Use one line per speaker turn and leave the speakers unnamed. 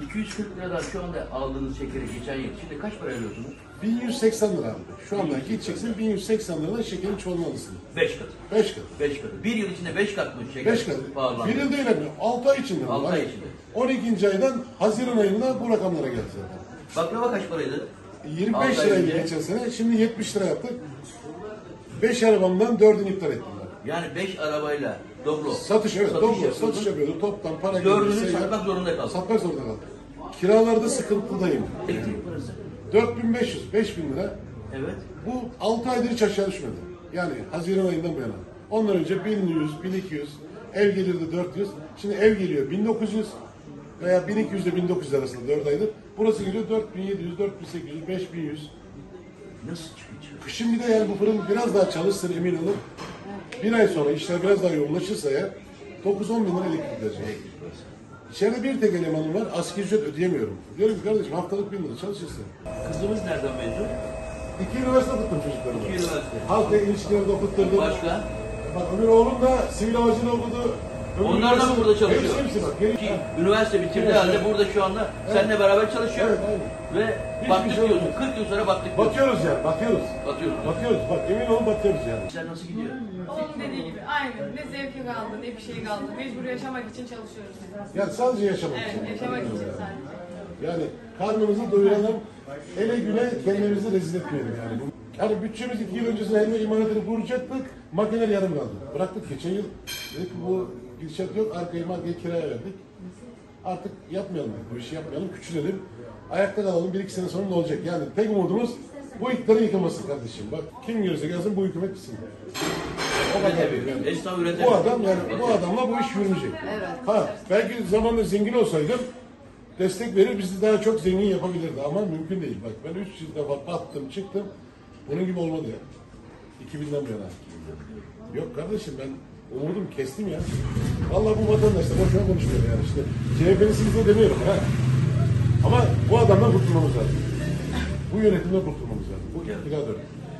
240 liradan şu anda aldığınız şekeri geçen yıl. Şimdi kaç para veriyorsunuz?
1180 lira abi. Şu anda gideceksin 1180 liradan şekerin çoğalmalısın.
5 katı.
5 kat.
5 katı. Bir yıl içinde 5 kat mı şeker
5 kat.
pahalandı?
Bir yıl değil abi. 6 ay içinde.
6 ay içinde.
12. aydan Haziran ayında bu rakamlara geldi zaten.
Baklava kaç paraydı?
25
Altı ay
liraydı
önce.
geçen sene. Şimdi 70 lira yaptık. 5 arabamdan 4'ünü iptal ettim ben.
Yani 5 arabayla dobro.
Satış evet.
Satış
Dobro
yapıyordun.
satış yapıyordu. Toptan para
Dördünü
gelirse
satmak zorunda kaldın.
satmak zorunda kaldım. Kiralarda sıkıntıdayım.
Elektrik parası.
4500, 5000 lira.
Evet.
Bu 6 aydır hiç aşağı düşmedi. Yani Haziran ayından bu yana. Ondan önce 1100, 1200, ev gelirdi 400. Şimdi ev geliyor 1900 veya 1200 ile 1900 arasında 4 aydır. Burası geliyor 4700, 4800, 5100.
Nasıl çıkıyor?
Şimdi de yani bu fırın biraz daha çalışsın emin olun. Bir ay sonra işler biraz daha yoğunlaşırsa ya 9-10 bin lira elektrik verecek. İçeride bir tek elemanım var, asgari ücret ödeyemiyorum. Diyorum ki kardeşim haftalık 1000 lira çalışırsın.
Kızımız nereden mezun?
2 üniversite okuttum çocuklarımı.
2 üniversite.
Halkla ilişkileri okutturdum.
Başka?
Bak öbür oğlum da sivil havacılığı okudu.
Onlar da mı burada çalışıyor?
Hepsi bak.
Ki üniversite bitirdiği
Evet.
halde burada şu anda seninle beraber çalışıyor.
Evet, aynen.
Ve
Hiçbir
baktık
şey
diyorsun.
olmuyor.
40 yıl sonra baktık diyorsun.
Bakıyoruz yani, bakıyoruz.
Batıyorsun.
Bakıyoruz, bak emin olun bakıyoruz yani.
Sen nasıl gidiyor?
Onun dediği gibi aynı. Ne zevki kaldı ne bir şey kaldı. Mecbur yaşamak için çalışıyoruz.
Yani sadece yaşamak için.
Evet, yaşamak için sadece.
Yani karnımızı doyuralım, ele güne kendimizi rezil etmeyelim yani. Yani bütçemiz 2 yıl öncesinde helva imalatını kuracaktık, makineler yarım kaldı. Bıraktık geçen yıl, dedik ki bu gidişat yok, arkayı markayı kiraya verdik. Artık yapmayalım, bu işi yapmayalım, küçülelim. Ayakta kalalım, 1-2 sene sonra ne olacak? Yani tek umudumuz bu iktidarın yıkılması kardeşim. Bak kim görürse gelsin bu hükümet bitsin. O kadar yani.
Esnaf üretemiyor.
Bu adam yani bu adamla bu iş yürümeyecek. Ha belki zamanında zengin olsaydım destek verir bizi daha çok zengin yapabilirdi ama mümkün değil. Bak ben 3 yıl defa battım çıktım. Bunun gibi olmadı ya. 2000'den bu yana. Yok kardeşim ben umudum kestim ya. Vallahi bu vatandaşlar boşuna konuşmuyor yani işte. CHP'nin sizi demiyorum ha. Ama bu adamdan kurtulmamız lazım. Bu yönetimden kurtulmamız lazım. Bu iktidar dönemi.